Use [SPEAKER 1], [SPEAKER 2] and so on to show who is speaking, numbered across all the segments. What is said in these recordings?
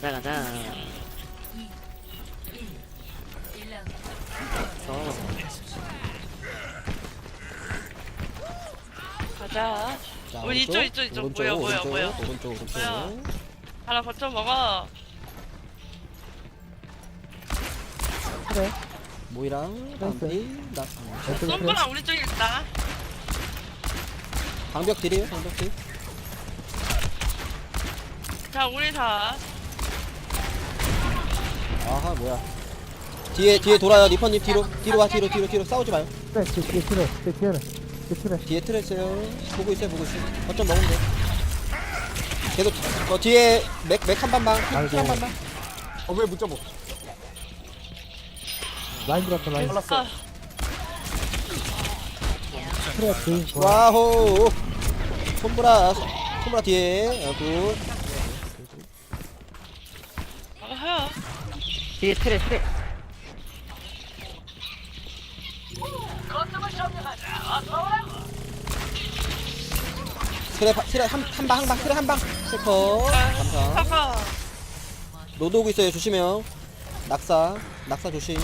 [SPEAKER 1] 가자 가자.
[SPEAKER 2] 가자.
[SPEAKER 3] 자,
[SPEAKER 2] 우리 이쪽 뭐야.
[SPEAKER 3] 오른쪽.
[SPEAKER 2] 하나 거쳐 먹어.
[SPEAKER 4] 그래.
[SPEAKER 3] 모이랑 방비,
[SPEAKER 4] 왼쪽에 그래.
[SPEAKER 2] 썸브랑 우리 쪽에 있다.
[SPEAKER 3] 방벽 딜이에요, 방벽 딜.
[SPEAKER 2] 자, 우리 다.
[SPEAKER 3] 아하, 뭐야. 뒤에 돌아요, 리퍼님 뒤로 와, 뒤로 싸우지 마요.
[SPEAKER 4] 그래, 뒤에
[SPEAKER 3] 뒤에 틀어 있어요. 보고 있어요. 거점 먹으면 돼. 계속 뒤에 맥 한 반방,
[SPEAKER 4] 아이고.
[SPEAKER 3] 한 반방.
[SPEAKER 5] 왜 못 잡어?
[SPEAKER 4] 라인 들어왔다, 라인.
[SPEAKER 5] 잘랐어.
[SPEAKER 4] 그래, 뒤. 좋아.
[SPEAKER 3] 와호. 손브라 뒤에. 굿.
[SPEAKER 2] 아하.
[SPEAKER 1] 뒤에 트레.
[SPEAKER 3] 트랩 한방 트랩 한방. 슈퍼. 감사.
[SPEAKER 2] 사과.
[SPEAKER 3] 로드 오고 있어요. 조심해요. 낙사 조심.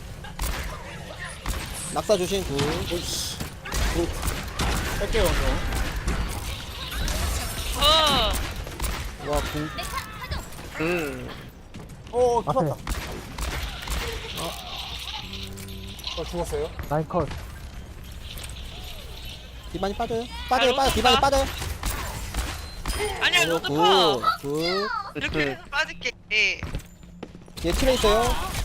[SPEAKER 3] 낙사 조심. 굿.
[SPEAKER 5] 뺄게요,
[SPEAKER 2] 어.
[SPEAKER 3] 와, 궁.
[SPEAKER 5] 죽었다.
[SPEAKER 4] 앞에.
[SPEAKER 5] 죽었어요?
[SPEAKER 4] 라인 컷.
[SPEAKER 3] 디반이 빠져요.
[SPEAKER 2] 로드
[SPEAKER 3] 디반이
[SPEAKER 2] 가?
[SPEAKER 3] 빠져요.
[SPEAKER 2] 아니야,
[SPEAKER 3] 오,
[SPEAKER 2] 너도
[SPEAKER 3] 굿.
[SPEAKER 2] 커.
[SPEAKER 3] 굿.
[SPEAKER 2] 이렇게 해서 빠질게.
[SPEAKER 3] 얘 트레 있어요.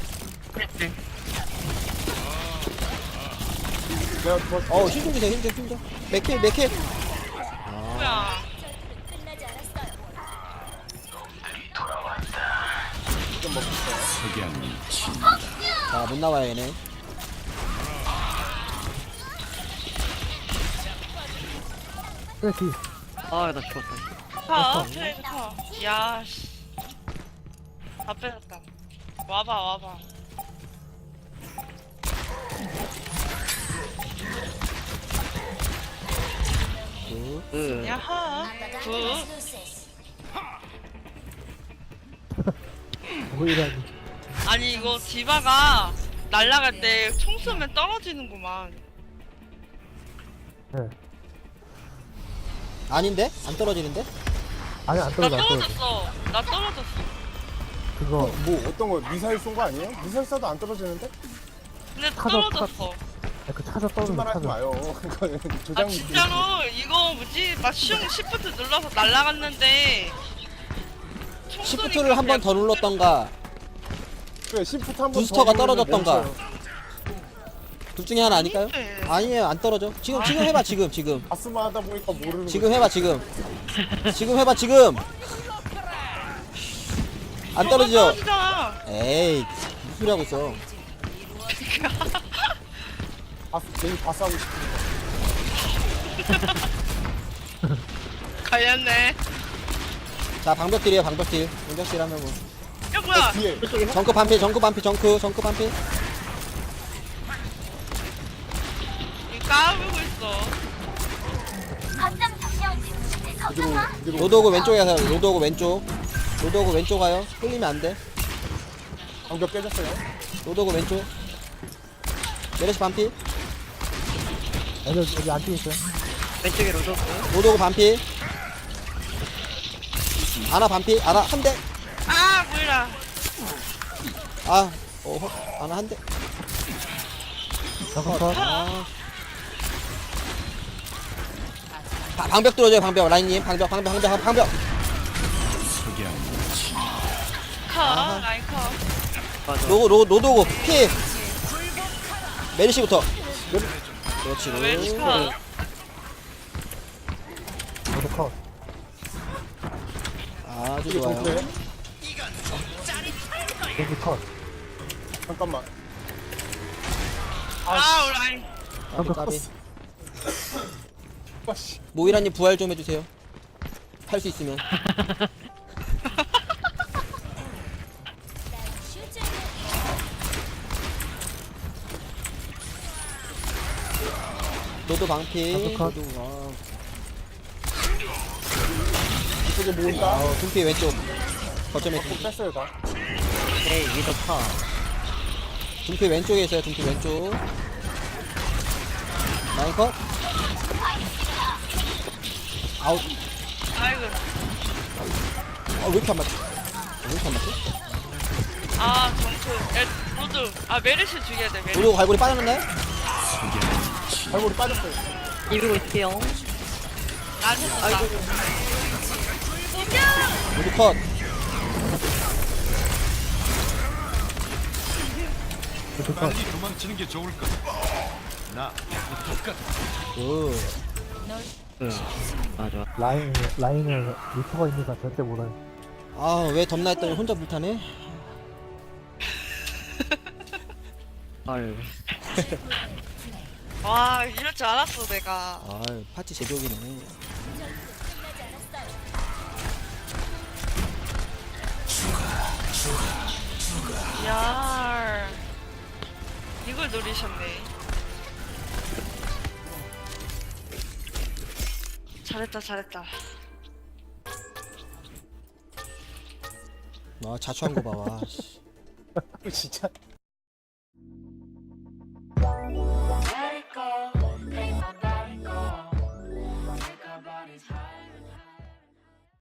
[SPEAKER 5] 내가 죽었어.
[SPEAKER 3] 힘 좀 주세요. 힘 좀. 맥힐.
[SPEAKER 2] 뭐야.
[SPEAKER 3] 자, 못 나와요, 얘네.
[SPEAKER 4] 그래, 뒤.
[SPEAKER 1] 아 나 죽었다.
[SPEAKER 2] 타. 트레이드 타. 야, 씨. 다 빼졌다. 와봐.
[SPEAKER 3] 굿.
[SPEAKER 2] 야하. 굿.
[SPEAKER 4] 보이라니.
[SPEAKER 2] 아니, 이거 디바가 날아갈 때 총 쏘면 떨어지는구만.
[SPEAKER 4] 네.
[SPEAKER 3] 아닌데? 안 떨어지는데?
[SPEAKER 4] 아니, 안
[SPEAKER 2] 나
[SPEAKER 4] 떨어져, 안 떨어져.
[SPEAKER 2] 떨어졌어. 나 떨어졌어.
[SPEAKER 4] 그거,
[SPEAKER 5] 뭐 어떤 거 미사일 쏜 거 아니에요? 미사일 쏴도 안 떨어지는데?
[SPEAKER 2] 근데
[SPEAKER 4] 타서
[SPEAKER 2] 떨어졌어.
[SPEAKER 4] 그 찾아 떨어져,
[SPEAKER 5] 거짓말 하지
[SPEAKER 4] 찾아.
[SPEAKER 5] 마요. 그거는
[SPEAKER 2] 아
[SPEAKER 5] 조장.
[SPEAKER 2] 진짜로 이거 뭐지? 막 시프트 눌러서 날아갔는데 총
[SPEAKER 3] 시프트를
[SPEAKER 2] 쏘니까
[SPEAKER 3] 한 번 더
[SPEAKER 2] 그냥
[SPEAKER 3] 눌렀던가
[SPEAKER 5] 그래, 시프트 한번
[SPEAKER 3] 부스터가 떨어졌던가. 둘 중에 하나 아닐까요?
[SPEAKER 2] 네.
[SPEAKER 3] 아니에요, 안 떨어져. 지금 해봐, 지금.
[SPEAKER 5] 아스마 하다 보니까 모르는
[SPEAKER 3] 지금 해봐, 지금. 지금. 안 떨어지죠?
[SPEAKER 2] 떨어지잖아.
[SPEAKER 3] 에이, 무슨 소리 하고 있어.
[SPEAKER 5] 괜히 다 싸우고 싶으니까.
[SPEAKER 2] 갈렸네.
[SPEAKER 3] 자, 방벽딜이에요, 방벽딜 하면 뭐.
[SPEAKER 2] 야 뭐야?
[SPEAKER 5] 뒤에
[SPEAKER 3] 정크 반피.
[SPEAKER 2] 이거 까불고 있어.
[SPEAKER 3] 로드오고 왼쪽에 가요. 로드오고 왼쪽 가요. 끌리면 안 돼.
[SPEAKER 5] 방벽 깨졌어요.
[SPEAKER 3] 로드오고 왼쪽. 메르시 반피.
[SPEAKER 4] 여기 안 뛰고 있어요.
[SPEAKER 1] 왼쪽에 로드.
[SPEAKER 3] 로드오고 반피. 아나 반피. 아나 한 대.
[SPEAKER 2] 아 뭐야?
[SPEAKER 3] 아나 한 대.
[SPEAKER 4] 잠깐 컷.
[SPEAKER 3] 방벽 뚫어줘요, 방벽. 라인님, 방벽.
[SPEAKER 2] 컷. 라인 컷.
[SPEAKER 1] 맞아.
[SPEAKER 3] 로드오고 피. 메르시부터. 그렇지.
[SPEAKER 2] 왼쪽 컷.
[SPEAKER 4] 저도 컷.
[SPEAKER 3] 아주
[SPEAKER 5] 이게
[SPEAKER 3] 좋아요.
[SPEAKER 5] 정크예요?
[SPEAKER 4] 여기 컷.
[SPEAKER 5] 잠깐만.
[SPEAKER 2] 아 라인.
[SPEAKER 3] 까비.
[SPEAKER 5] 아씨.
[SPEAKER 3] 모이라님 부활 좀 해주세요. 할 수 있으면. 로드 방피.
[SPEAKER 4] 컷.
[SPEAKER 3] 로드,
[SPEAKER 5] 이쪽에 모은다.
[SPEAKER 3] 둠피 왼쪽. 거점에
[SPEAKER 5] 꼭 뺐어요 다.
[SPEAKER 1] 에이 위더 파.
[SPEAKER 3] 둠피 왼쪽에 있어요. 둠피 왼쪽. 라인 컷. 아웃.
[SPEAKER 2] 아이고.
[SPEAKER 3] 왜 이렇게 안 맞지? 왜 이렇게 안 맞지?
[SPEAKER 2] 아 정크. 로드. 아 메르시 죽여야 돼 메르시.
[SPEAKER 3] 우리 갈고리 빠졌나요?
[SPEAKER 5] 발골이 빠졌어요.
[SPEAKER 1] 이기고 있을게요.
[SPEAKER 2] 안 했어.
[SPEAKER 1] 아이고.
[SPEAKER 3] 우리 컷.
[SPEAKER 4] 로드 컷.
[SPEAKER 6] 도망치는 게 좋을 거다. 나 똑같아.
[SPEAKER 3] 굿.
[SPEAKER 1] 맞아.
[SPEAKER 4] 라인을 리퍼가 있는 이상 절대 못해.
[SPEAKER 3] 왜 덤나 했더니 혼자 불타네?
[SPEAKER 1] 헐.
[SPEAKER 2] 와 이럴 줄 알았어 내가.
[SPEAKER 3] 파티 제조기네.
[SPEAKER 2] 야. 이걸 노리셨네. 잘했다 잘했다.
[SPEAKER 3] 자초한 거 봐. 와. 씨.
[SPEAKER 5] 진짜